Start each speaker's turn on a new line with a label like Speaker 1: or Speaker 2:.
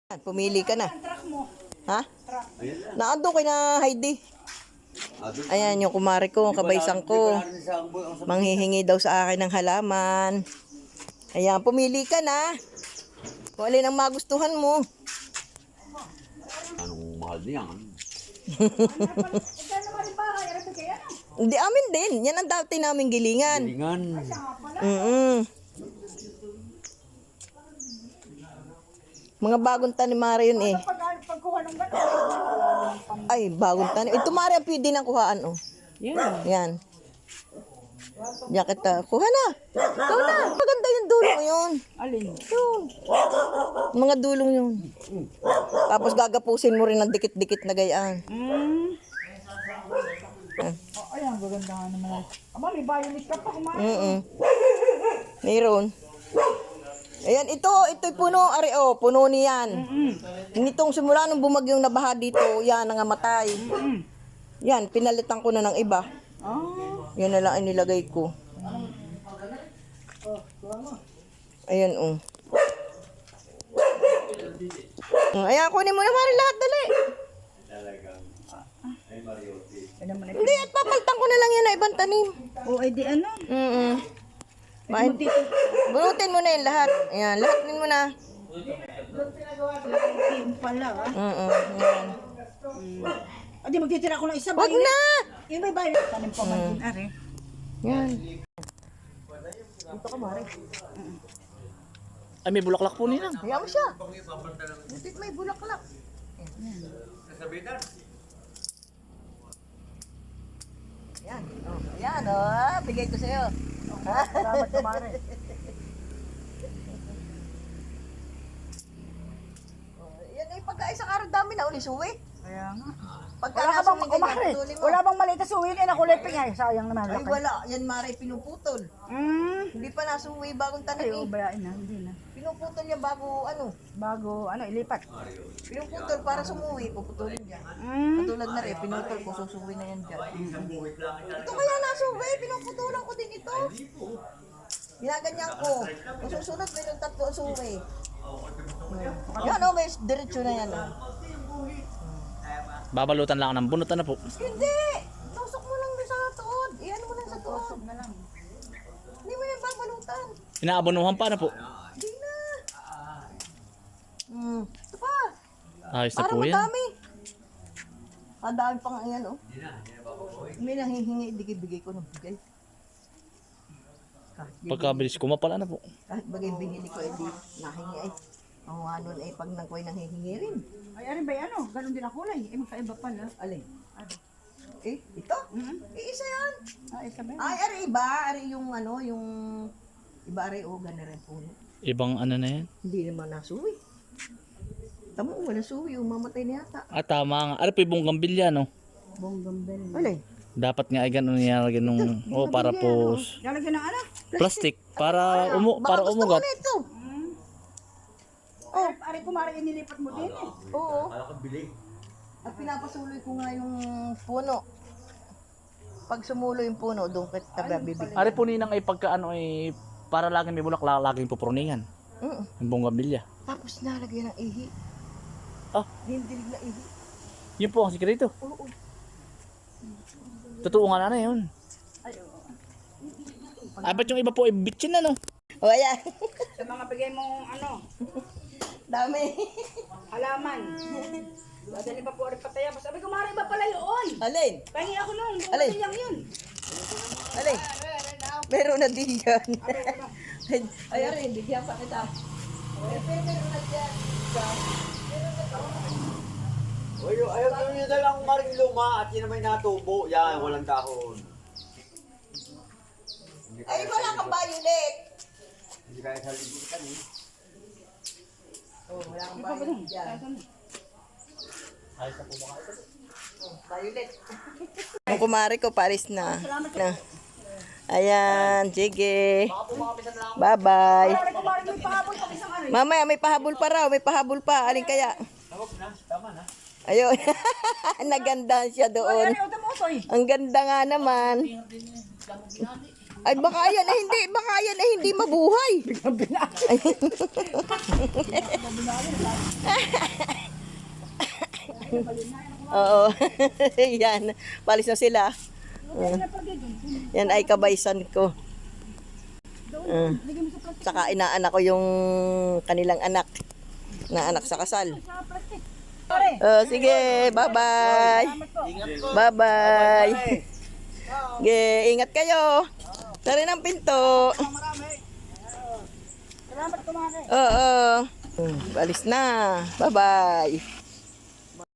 Speaker 1: Pumili ka na. Ha? Naando kay na Heidi. Ayan yung kumari ko, kabaysang ko. Manghihingi daw sa akin ng halaman. Ayan, pumili ka na. Kung alin ang magustuhan mo.
Speaker 2: Anong mahal niyan?
Speaker 1: Hindi, amin din. Yan ang dati naming gilingan.
Speaker 2: Gilingan.
Speaker 1: Mga bagong tanim Mari yun eh. Ay, bagong tanim. Ito Mari ang pwede ng kuhaan oh. Yan. Yan kita. Kuha na. Kuha na. Maganda yung dulong yun.
Speaker 3: Alin?
Speaker 1: Yun. Mga dulong yun. Tapos gagapusin mo rin ng dikit-dikit na gayaan.
Speaker 3: Ay, ang gaganda nga naman. Aba, may violet ka pa kumain.
Speaker 1: Mayroon. Ayan, ito'y puno, ari oh, puno niyan. Nitong simula nung bumagyong nabaha dito, yan, nangamatay. Yan, pinalitan ko na ng iba. Yan na lang inilagay ko. Ayan, oh. Ayan, kunin mo na Mari lahat, dali. Hindi, at papalitan ko na lang yan na ibang tanim.
Speaker 3: O, ay di ano?
Speaker 1: Bunutin mo na yung lahat. Ayan, lahatin mo na.
Speaker 3: Yung pala,
Speaker 1: Ayan.
Speaker 3: Adi, magtitira ko ng isa.
Speaker 1: Wag na!
Speaker 3: Yung may violet. Tanim pa man din, are.
Speaker 1: Yan. Dito ka, Mari.
Speaker 4: Ay, may bulaklak po nilang.
Speaker 1: Hayaan mo siya. Butit may bulaklak. Yan. Oh, ayan, oh. Bigay ko sa'yo.
Speaker 3: Salamat ka, Mare.
Speaker 1: Yan ay pagkain sa araw dami na uli suwi.
Speaker 3: Kaya nga.
Speaker 1: Pagka
Speaker 3: Wala ka bang
Speaker 1: nasuwi
Speaker 3: kumare?
Speaker 1: ganyan, putulin mo.
Speaker 3: Wala bang maliit na suwin? Eh, nakuliping ay. Sayang naman.
Speaker 1: Ay, wala. Yan, Mari, pinuputol. Hindi pa nasuwi bagong
Speaker 3: Ay,
Speaker 1: tanim eh.
Speaker 3: bayain na. Hindi na.
Speaker 1: Pinuputol niya bago,
Speaker 3: Bago, ilipat.
Speaker 1: pinuputol para sumuwi, puputulin niya. Katulad na rin, pinutol ko, susuwi na yan dyan. Ito kaya nasuwi, pinuputulan ko din ito. Ginaganyan ko. Kung susunod, mayroon 3 suwi. Yan o, may diretso na yan.
Speaker 4: Babalutan lang ng bunutan na po.
Speaker 1: Hindi! Tusok mo lang sa tuod. Iyan mo lang sa tuod. Hindi mo yan babalutan.
Speaker 4: Inaabonuhan pa na po.
Speaker 1: Hindi na. Ito pa.
Speaker 4: Ayos na
Speaker 1: Parang
Speaker 4: po yan.
Speaker 1: madami. Ang dami pang ayan, oh. May nanghihingi, bigay ko ng bigay.
Speaker 4: Pagkabilis ko, mapala na po.
Speaker 1: Kahit bagay binili ko, hindi nahingi ay. Ang ano ay pag nangkoy nanghihingi rin.
Speaker 3: Ay, ano ba yan? Ganon din ang kulay. Eh, magkaiba pala.
Speaker 1: Alin? Eh, ito? Isa yan.
Speaker 3: Isa ba yan?
Speaker 1: Ay, ari iba. Ari yung ano, yung... Iba ari o, gana rin puno.
Speaker 4: Ibang ano na yan.
Speaker 1: Hindi naman nasuwi. Tama, wala suwi. Umamatay na yata.
Speaker 4: Ah, tama nga. Ano po yung bonggambilya, no?
Speaker 3: Bonggambel.
Speaker 1: Alin?
Speaker 4: Dapat nga ay gano'n nilalagyan nung... Oh, para po...
Speaker 3: Lalagyan ng ano?
Speaker 4: Plastic. Para
Speaker 1: Baka gusto
Speaker 4: umugat.
Speaker 1: mo na ito.
Speaker 3: Oh, ari kumari inilipat mo din eh.
Speaker 1: Oo. At pinapasuloy ko nga yung puno. Pag sumulo yung puno, doon kita bibig.
Speaker 4: Ari po ninang ay pagka ano ay... Para laging may bulaklak, laging pupuruningan. Yung bonggambilya.
Speaker 1: Tapos nalagyan ng ihi.
Speaker 4: Ah.
Speaker 1: Dindilig na ihi.
Speaker 4: Yun po ang sikreto.
Speaker 1: Oo.
Speaker 4: Totoo nga na yun. Ay, ba't yung iba po ay bitchin na, no?
Speaker 1: O, ayan.
Speaker 3: Sa mga bigay mong ano,
Speaker 1: Dami.
Speaker 3: halaman. Dadali pa po rin pataya. Sabi ko, Mari, iba pala yun.
Speaker 1: Alin?
Speaker 3: Pahingi ako nung.
Speaker 1: Alin?
Speaker 3: Yung yun.
Speaker 1: Alin? Meron na din yan. Ay, arin, bigyan pa kita. Meron na dyan.
Speaker 2: Ayaw nyo na lang maring luma at yun na may natubo. Yan, walang dahon.
Speaker 1: Ay, wala kang violet.
Speaker 2: Hindi kaya sa libutan eh.
Speaker 1: Oh, wala kang violet dyan. Violet. Ang kumari ko, Paris na. Ayan, sige. Bye-bye.
Speaker 3: Mari, kumari, may pahabol pa isang ano.
Speaker 1: Mamaya, may pahabol pa raw. May pahabol pa. Alin kaya? Ayun. Nagandahan siya doon.
Speaker 3: Ano, utamosoy.
Speaker 1: Ang ganda nga naman. Ay, baka yan ay hindi mabuhay. Oo. Yan. Palis na sila. Yan ay kabaysan ko. Saka inaanak ko yung kanilang anak. Na anak sa kasal. Sige, bye-bye. Bye-bye. Sige, ingat kayo. Tari ng pinto.
Speaker 3: Salamat kumain.
Speaker 1: Oo. Balis na. Bye-bye.